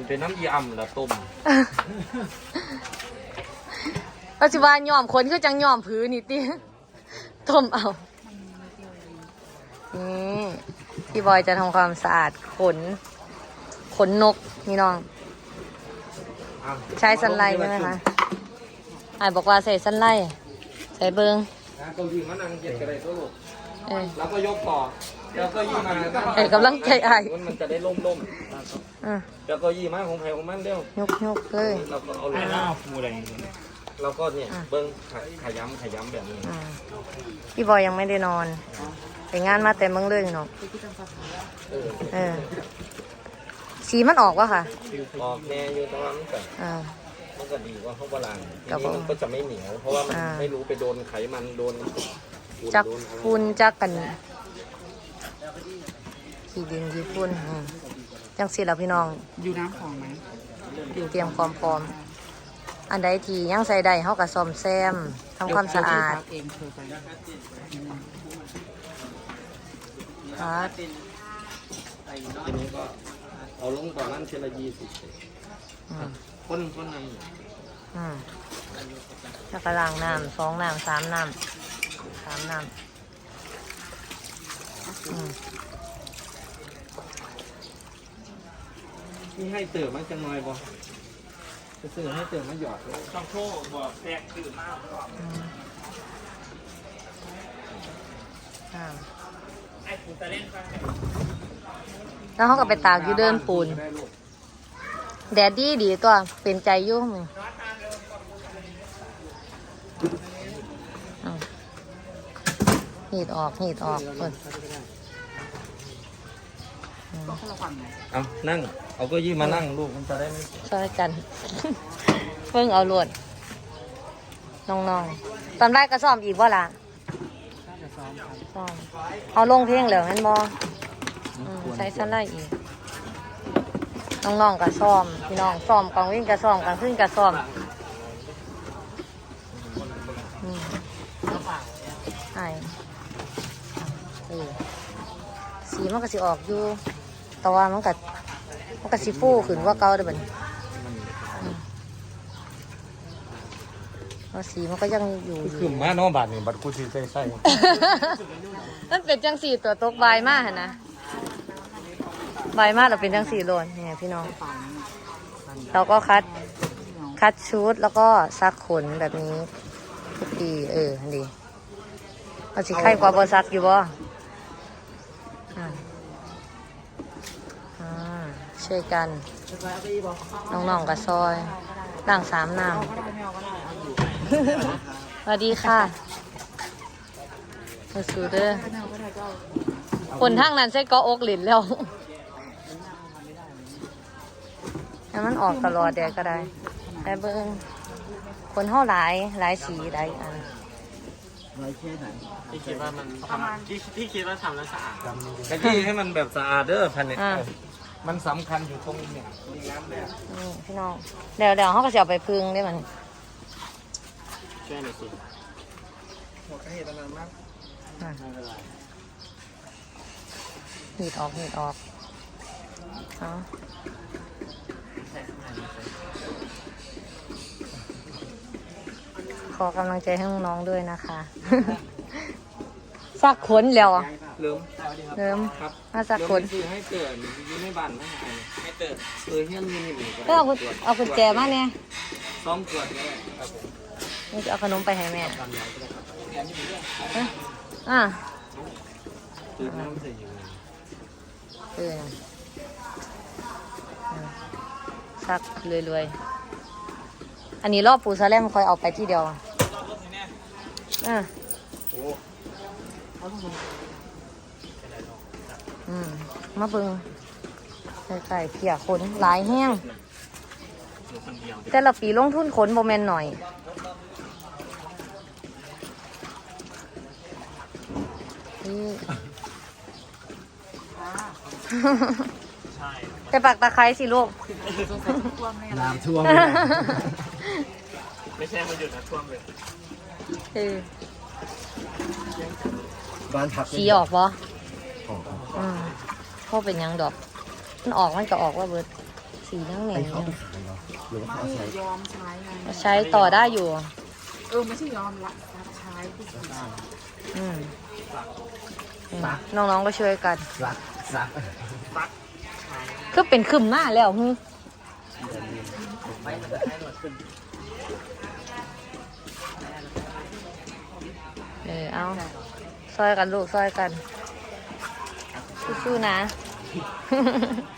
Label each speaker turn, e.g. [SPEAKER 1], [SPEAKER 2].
[SPEAKER 1] เป็นน้ำยำแล้วต้ม
[SPEAKER 2] ปัจจุบันย่อมคนคือจังย่อมพื้นนี่ติต้มเอานี่พี่บอยจะทำความสะอาดขนนกนี่น้องใช้สันไลใช่ไหมคะบอกว่าใส่สันไลใส่เบิง
[SPEAKER 1] เก้าอี้มานั่งเย็ดกันเลยตัวลูกแล้วก็ยกต่อแล้วก็ยี่มาก
[SPEAKER 2] ำลังใจ
[SPEAKER 1] มันจะได้ล่มแล้วก็ยี่มาของใครของมันเร็วย
[SPEAKER 2] กเลย
[SPEAKER 1] เราก็เอาเลยฟูอะไรเราก็เนี่ยเบิ้งขย้ำแบบนี้
[SPEAKER 2] พี่บอยยังไม่ได้นอนไปงานมาแต่เมืองเลยเนาะสีมันออกวะค่ะ
[SPEAKER 1] ออกแน่อยู่ตรงนั้นแต่มันก็ดีว่าเขาโบราณมันก็จะไม่เหนียวเพราะว่ามันไม่รู้ไปโดนไขมันโดน
[SPEAKER 2] จักฝุ่นจักกันขี้ดินขี้ฝุ่นจังสิล่ะพี่น้อง
[SPEAKER 3] อยู่น้ำของไหม
[SPEAKER 2] เตรียมความพร้อมอันใดที่ยังใส่ได้เขากับซ่อมแซมทำความสะอาดครับ
[SPEAKER 1] ทีนี้ก็เอาลงก่อนนั้นเชล20คนนั้น
[SPEAKER 2] แล้วก็ล้างน้ำ2 น้ำ 3 น้ำ 3 น้ำ
[SPEAKER 1] นี่ให้เติมมันจะน้อยบ่จะซื้อให้เติมมันหยอดเลย
[SPEAKER 3] ต้องโทษบอกแตกตื่นมากไอ้ปูตะเล่นฟัง
[SPEAKER 2] แล้วเขาก็ไปตากอยู่เดินปูนแดดดีตัวเป็นใจยุ่งมึงหีดออกคน
[SPEAKER 1] เอานั่งเอาก็ยี่มานั่งลูกมันจะได้ไม่
[SPEAKER 2] ช่วยกันเพิ่งเอาลวดน้องๆตอนแรกก็ซ้อมอีกว่าล่ะซ้อมเอาลงเพลงเหลืองั้นบอใช้ชั้นได้อีกน้องๆก็ซ้อมพี่น้องซ้อมกองวิ่งก็ซ้อมกองขึ้นก็ซ้อมใช่สีมันก็สิออกอยู่แต่ว่ามันก็สิฟูขึ้นว่าเก่าเด้อบัดนี้สีมันก็ยังอยู่
[SPEAKER 1] คือมาน้องบาทนี่บัดกูสิใส่
[SPEAKER 2] นั่นเป็นจังสีตัวตกใบมากนะใบมากเราเป็นจังสีโลนเนี่ยพี่น้องเราก็คัดชุดแล้วก็ซักขนแบบนี้ทุกปีดีเอาสิไข่กว่าบอซักอยู่บ่ช่วยกันน้องๆกับซอยล้าง3 น้ำสวัสดีค่ะมาสู่เด้อคนทางนั้นใช้ก็อกหลินแล้วให้มันออกตลอดเดี๋ยวก็ได้แต่เบิ้งคนห่อหลายสีหลายอัน
[SPEAKER 3] ที่คิดว่ามันที่คิดว่าทำแล้วสะอาด
[SPEAKER 1] แต่ที่ให้มันแบบสะอาดเด้อพันเนี่ยมันสำคัญอยู่ตรงนี้
[SPEAKER 2] พี่น้องเดี๋ยวเขาก็จะเอาไปพึ่งได้มัน
[SPEAKER 3] ช่วยหน่อยสิ
[SPEAKER 1] หัวกระเหตุนานมาก
[SPEAKER 2] หีดออกขอกำลังใจให้น้องๆด้วยนะคะซักขนแล้ว
[SPEAKER 1] เริ่ม
[SPEAKER 2] ครับมาซักขน
[SPEAKER 1] ให้เกิดอยู่ในบ้านให้เกิดเฮี้ยนมีนี่
[SPEAKER 2] ก็เอากุญแจมาเนี่ย
[SPEAKER 1] ซ้อมเกิดเลยครับผม
[SPEAKER 2] นี่จะเอาขนมไปให้แม่
[SPEAKER 1] ตื่นน้ำใส่อยู่
[SPEAKER 2] ซักรวยอันนี้รอบปูซาแลมคอยเอาไปที่เดียวมาเบิ่งไก่เพียขนหลายแห้งแต่ละปีลงทุนขนโบแมนหน่อยแต่ปักตะไคร้สิลูก
[SPEAKER 1] น้ำท่วม
[SPEAKER 3] ไม่ใช่มาหยุดนะท่วมเลย
[SPEAKER 1] บ้านผัก
[SPEAKER 2] สีออกปะพ่อเป็นยังดอกมันออกมันก็ออกว่าเบิดสีนั่งเหนี
[SPEAKER 4] ไอ้
[SPEAKER 2] ยว
[SPEAKER 4] เขาไปขายเหรอหรือว่าเขาเอาใช้
[SPEAKER 5] ยอมใช้ไง
[SPEAKER 2] ใช้ต่อได้อยู่
[SPEAKER 5] ไม่ใช่ยอมละรับใช้ที่สุด
[SPEAKER 2] อืมน้องๆก็ช่วยกัน
[SPEAKER 4] ซักซัก
[SPEAKER 2] ก็เป็นขึ้นมาแล้วฮึ
[SPEAKER 3] ไม่มันจะให้หนวดขึ้น
[SPEAKER 2] เอาซอยกันลูกซอยกันสู้ๆนะ